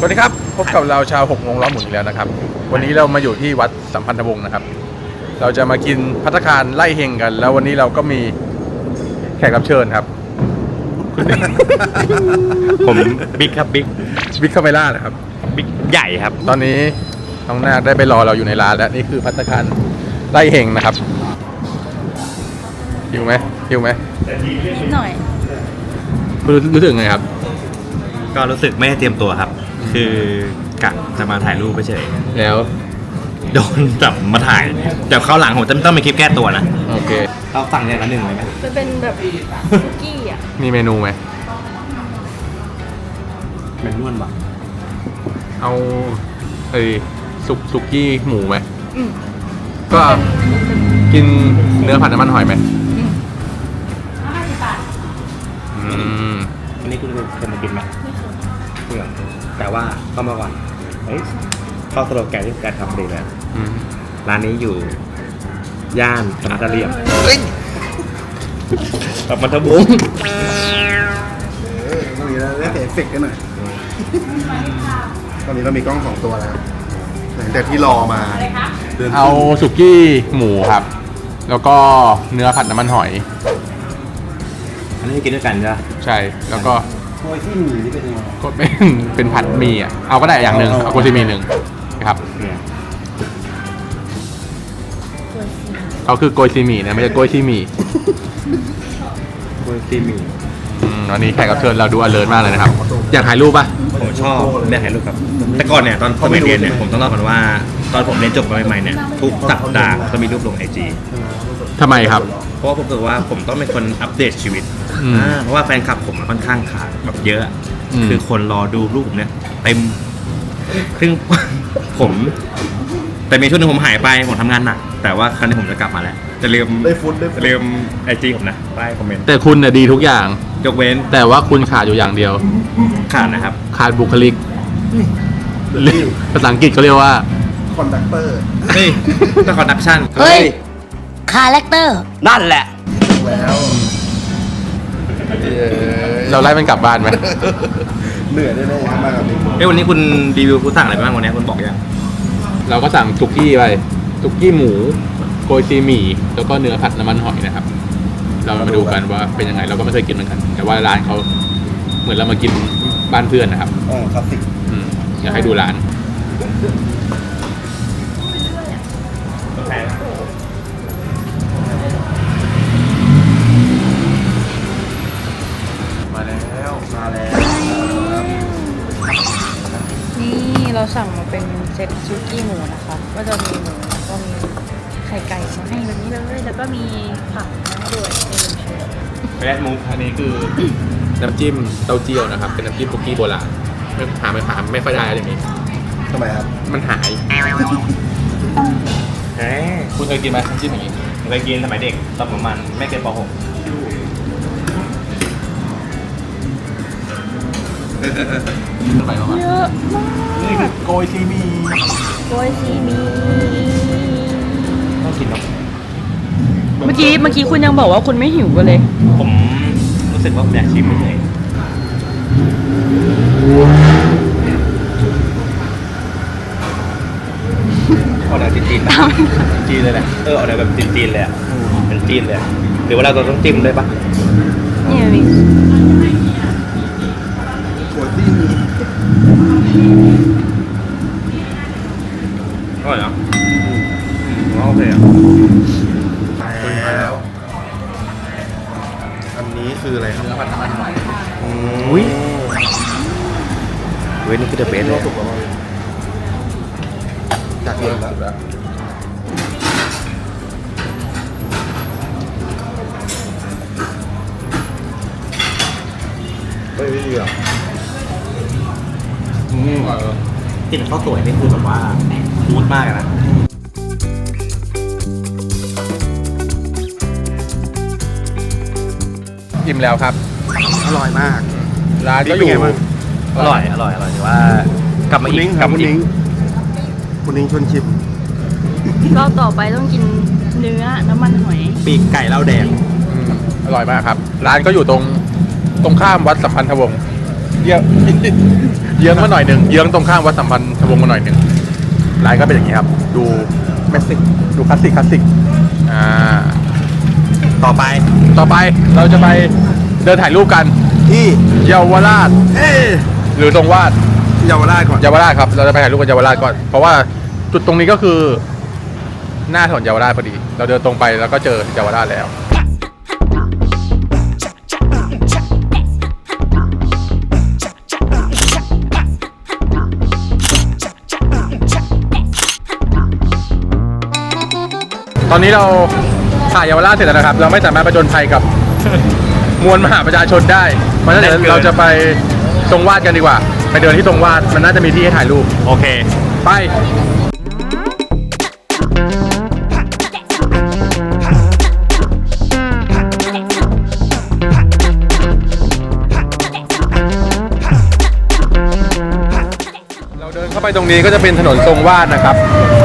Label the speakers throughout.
Speaker 1: สวัสดีครับพบกับเราชาว6 โมงล้อหมุนอีกแล้วนะครับวันนี้เรามาอยู่ที่วัดสัมพันธวงศ์นะครับเราจะมากินภัตตาคารไล่เฮงกัน แล้ววันนี้เราก็มีแขกรับเชิญครับ
Speaker 2: ผมบิ๊กครับบิ๊ก
Speaker 1: คาเมล่านะครับ
Speaker 2: บิ๊กใหญ่ครับ
Speaker 1: ตอนนี้น้องนาคได้ไปรอเราอยู่ในร้านแล้วนี่คือภัตตาคารไล่เฮงนะครับหิวไหม
Speaker 3: นิดหน่อย
Speaker 1: รู้สึกไงครับ
Speaker 2: ก็รู้สึกไม่ได้เตรียมตัวครับคือกะจะมาถ่ายรูปไปเฉย
Speaker 1: แล้ว
Speaker 2: โดนจับมาถ่ายเดี๋ยวเข้าหลังผมจะต้องมีคลิปแก้ตัวนะ
Speaker 1: โอเค
Speaker 2: เราสั่งอย่างละหนึ่งเลยไหม
Speaker 3: จะเป็นแบบคุกกี้อ่ะ
Speaker 1: มีเมนูไหม
Speaker 2: เมนูนวะ
Speaker 1: เอาสุกี้หมูไหมก็กินเนื้อผัดน้ำมันหอยไหม
Speaker 2: อันนี้คุณเคยมากินไหมเพื่อแต่ว่าก็มาก่อนเข้าสโลแกนที่การทำดีเลยร้านนี้อยู่ย่านธนาคารเรียมกับมันทบุรี
Speaker 4: ตอนนี้เราได้เอฟเฟกต์กันหน่อยตอนนี้เรามีกล้อง2 ตัวแล้วหลังจากที่รอมา
Speaker 1: เอาสุกี้หมูครับแล้วก็เนื้อผัดน้ำมันหอย
Speaker 2: อันนี้กินด้วยกันใช่ไหม
Speaker 1: ใช่แล้วก็
Speaker 4: โกยที่หมี่นี่เป็นยังไง
Speaker 1: ก็เป็นผัดหมี่อ่ะเอาก็ได้อย่างหนึ่งเอาโกซิมีหนึ่งนะครับเขาคือโกยซีหมี่นะไม่ใช่โกยซีหมี่
Speaker 2: โกยซีหมี่
Speaker 1: วันนี้แขกรับเชิญเราดูอเลิร์มากเลยนะครับอยากถ่ายรูปป่ะ
Speaker 2: ผมชอบได้ถ่ายรูปครับแต่ก่อนเนี่ยตอนผมเรียนเนี่ยผมต้องเล่าก่อนว่าตอนผมเรียนจบใหม่ๆเนี่ยทุกสัปดาห์จะมีรูปลง IG
Speaker 1: ทำไมครับ
Speaker 2: เพราะว่าผมรู้สึกว่าผมต้องเป็นคนอัปเดตชีวิตเพราะว่าแฟนคลับผมค่อนข้างขาดแบบเยอะคือคนรอดูรูปผมเนี่ยเต็มซึ่งผมแต่มีช่วงนึงผมหายไปผมทำงานหนักแต่ว่าครั้งนี้ผมจะกลับมาแล้วจะลืมIG ผมนะใต้คอมเมนต์
Speaker 1: แต่คุณเนี่ยดีทุกอย่าง
Speaker 2: ยกเว้น
Speaker 1: แต่ว่าคุณขาดอยู่อย่างเดียว
Speaker 2: ขาดนะครับ
Speaker 1: ขาดบุคลิกภาษาอังกฤษเขาเรียกว่า
Speaker 4: คอนดักเตอร์
Speaker 2: เฮ้ยต้องคอนดักชั่น
Speaker 3: เฮ้ยคาแรคเตอร์
Speaker 2: นั่นแหละ
Speaker 4: แล้ว
Speaker 1: เราไล่มันกลับบ้านไหม
Speaker 4: เหนื่อยได้ๆมากครับ
Speaker 2: นี่วันนี้คุณรีวิวคุณสั่งอะไรบ้างวันนี้คุณบอกยัง
Speaker 1: เราก็สั่งสุกี้ไปสุกี้หมูโกยซีหมี่แล้วก็เนื้อผัดน้ำมันหอยนะครับเรามาดูกันว่าเป็นยังไงเราก็ไม่เคยกินเหมือนกันแต่ว่าร้านเขาเหมือนเรามากินบ้านเพื่อนนะครับ
Speaker 4: คลาสสิก
Speaker 1: อยากให้ดูร้าน
Speaker 4: มาแล้ว
Speaker 3: นี่เราสั่งมาเป็นเซตซุกี้หมูนะคะก็จะมีหมูแล้วก็มีไข่ไก่มาให้แบบนี้เลยแล้วก็มีผักมาด้วย
Speaker 1: แรดมุกอันนี้คือน้ำจิ้มเต้าเจี้ยวนะครับเป็นน้ำจิ้มคุกกี้โบราณไม่ค่อยได้อะไรอย่างนี้
Speaker 4: ทำไมครับ
Speaker 1: มันหายคุณเคยกินไหมน้ำจิ้มอย่างนี้
Speaker 2: เคยกินสมัยเด็กตอนประมาณไม่เกินป .6
Speaker 1: ไปประมาณ
Speaker 3: เยอะมาก
Speaker 1: นี่คือโกยซีหมี่
Speaker 2: ต้องกินหรอก
Speaker 3: เมื่อกี้คุณยังบอกว่าคุณไม่หิวกันเลย
Speaker 2: ผมรู้สึกว่าอยากชิมเลยออกแนวจีนๆนะจีนเลยแหละออกแนวแบบจีนๆเลยอ่ะเป็นจีนเลยหรือว่าเราต้องจิ้มด้วยปะ
Speaker 3: นี่มี
Speaker 4: โกยที่หมี่
Speaker 2: อร่อยเนาะโอเคอ่ะ
Speaker 4: แล้วอันนี้คืออะไรครับ
Speaker 1: เนื้อผัดน้ำมันหอย
Speaker 2: อุ้ยเว้ยนี่คือเดอะเบสเลย
Speaker 4: จากเยอะแล้วไม่ดีอ่ะ
Speaker 2: กินข้าวสวยนี่คือแบบว่าฟูดมากนะ
Speaker 1: อิ่มแล้วครับ
Speaker 4: อร่อยมาก
Speaker 1: ร้านก็อยู่
Speaker 2: อร่อยแต่ว่ากลับมาอีก
Speaker 4: คุณนิ้งชวนชิม
Speaker 3: เราต่อไปต้องกินเนื้อน้ำมันหอย
Speaker 2: ปีกไก่เหล้าแดง
Speaker 1: อร่อยมากครับร้านก็อยู่ตรงข้ามวัดสัมพันธวงศ์เยื้องมาหน่อยหนึ่งเยื้องตรงข้ามวัดสัมพันธ์วงศ์มาหน่อยหนึ่งร้านก็เป็นอย่างนี้ครับดูเมสซิกดูคลาสสิก
Speaker 2: ต่อไป
Speaker 1: เราจะไปเดินถ่ายรูปกัน
Speaker 4: ที่
Speaker 1: เยาวราชหรือตรงวาด
Speaker 4: เยาวราชก่อน
Speaker 1: เยาวราชครับเราจะไปถ่ายรูปกันเยาวราชก่อนเพราะว่าจุดตรงนี้ก็คือหน้าถนนเยาวราชพอดีเราเดินตรงไปแล้วก็เจอเยาวราชแล้วตอนนี้เราถ่ายเยาวราชเสร็จแล้วนะครับ เราไม่สามารถประจนภัยกับ มวลมหาประชาชนได้เพราะฉะนั้นเราจะไปตรงวาดกันดีกว่าไปเดินที่ตรงวาดมันน่าจะมีที่ให้ถ่ายรูป
Speaker 2: โอเค
Speaker 1: ไปเราเดินเข้าไปตรงนี้ก็จะเป็นถนนทรงวาดนะครับ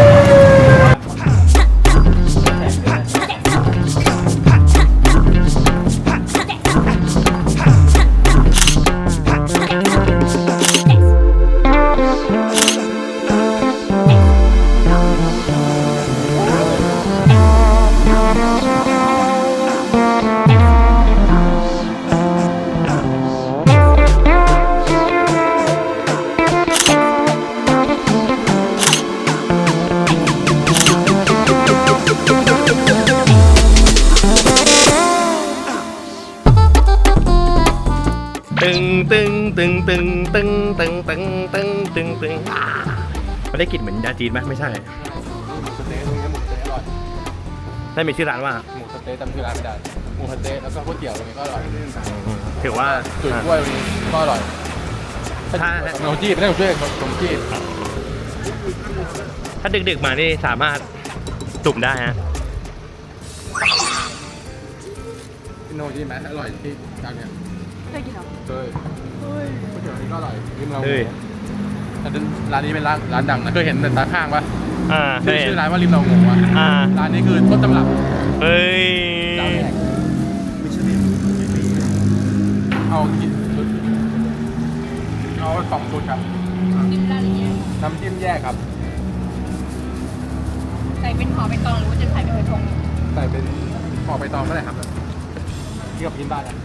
Speaker 2: ตึงไม่ได้กลิ่นเหมือนยาจีนไหมไม่ใช่
Speaker 1: สเต๊ะตรงนี้หมูสเต๊ะอร่อย
Speaker 2: ได้มีชื่อร้านว่า
Speaker 1: หมูสเต๊ะจำชื่อร้านไม่ได้หมูสเต๊ะแล้วก็ก๋วยเตี๋ยวตรงนี้ก็อร่อย
Speaker 2: ถือว่า
Speaker 1: จุ๋ยกล้วยตรงนี้ก็อร่อย
Speaker 2: ถ้า
Speaker 1: ขนมจีบไม่ได้ขนมจีบขนมจีบ
Speaker 2: ถ้าดึกๆมานี่สามารถจุ่มได้ฮะ
Speaker 1: ขนมจีบไหมอร่อยที่ร้านเนี้ย
Speaker 3: เคยกินเหรอ
Speaker 1: เคยก๋วยเตี๋ยวนี้ก็อร่อยริมเรา
Speaker 2: เฮ้ย
Speaker 1: แต่ร้านนี้เป็นร้านดังนะเคยเห็นแต่ตาข้างปะ
Speaker 2: เคยเห็น
Speaker 1: ชื่อร้านว่าริมเรางงวะร้านนี้คือต้นตำรับ
Speaker 2: เฮ้ย
Speaker 1: เจ้าแรกเอากี่ชุดเอา2 ชุดครับ
Speaker 3: กินได้หรือยัง
Speaker 1: น้ำจิ้มแยกครับ
Speaker 3: ใส่เป็นห่อเป็นกล่องหรือว่าจะใส่เป็นกระทง
Speaker 1: ใส่เป็นห่อใบตองก็ได้ครับที่กับกินบ้านอ่ะ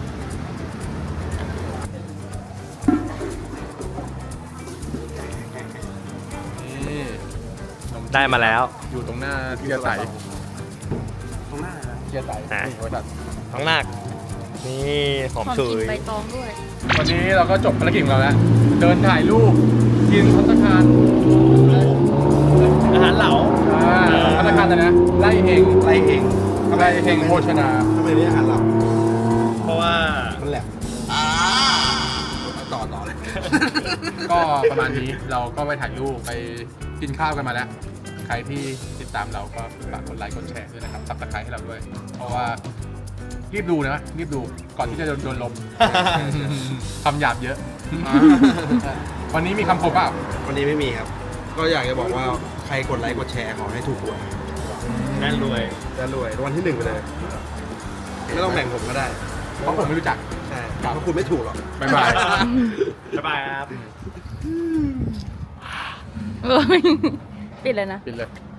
Speaker 1: นี่ขนมจีบ
Speaker 2: ได้มาแล้ว
Speaker 1: อยู่ตรงหน้าเทียร์ใส
Speaker 4: ตรงหน้าเลยนะ
Speaker 1: เทียร์ใส
Speaker 2: อ่ะ
Speaker 1: นี่บริษัท
Speaker 2: ท้องนาคนี่หอม
Speaker 3: ของ
Speaker 2: ฉุ
Speaker 3: กิน
Speaker 2: ย
Speaker 3: ใบตองด้วย
Speaker 1: วันนี้เราก็จบภารกิจของเราแล้ว เดินถ่ายรูป กินภัตตาคาร
Speaker 2: อาหารเหลา
Speaker 1: ภัตตาคารอะไรนะ ไล่เฮง
Speaker 4: ไรเอง
Speaker 1: ไล่เฮงโภชนา
Speaker 4: ทำไมเรียกอาหารเรา
Speaker 2: เพราะว่า
Speaker 4: มันแหลมต่อเลย
Speaker 1: ก็ประมาณนี้เราก็ไปถ่ายรูปไปกินข้าวกันมาแล้ว ใครที่ติดตามเราก็ฝากกดไลค์กดแชร์ด้วยนะครับซับสไครต์ให้เราด้วย เพราะว่ารีบดูนะรีบดูก่อนที่จะโดนลม คำหยาบเยอะ วันนี้มีคำคมเปล่า
Speaker 4: วันนี้ไม่มีครับ ก็อยากจะบอกว่าใครกดไลค์กดแชร์ขอให้ถูกหวย
Speaker 2: แน่นรวย
Speaker 4: จะรวยรางวัลที่ 1ไปเลย ไม่ต้องแบ่งผมก็ได้
Speaker 1: เพราะผมไม่รู้จัก
Speaker 4: ใช่เพราะคุณไม่ถูกหรอก
Speaker 1: บ๊ายบาย
Speaker 2: บ๊ายบายครับ
Speaker 3: ปิดเลยนะ
Speaker 1: ปิดเลย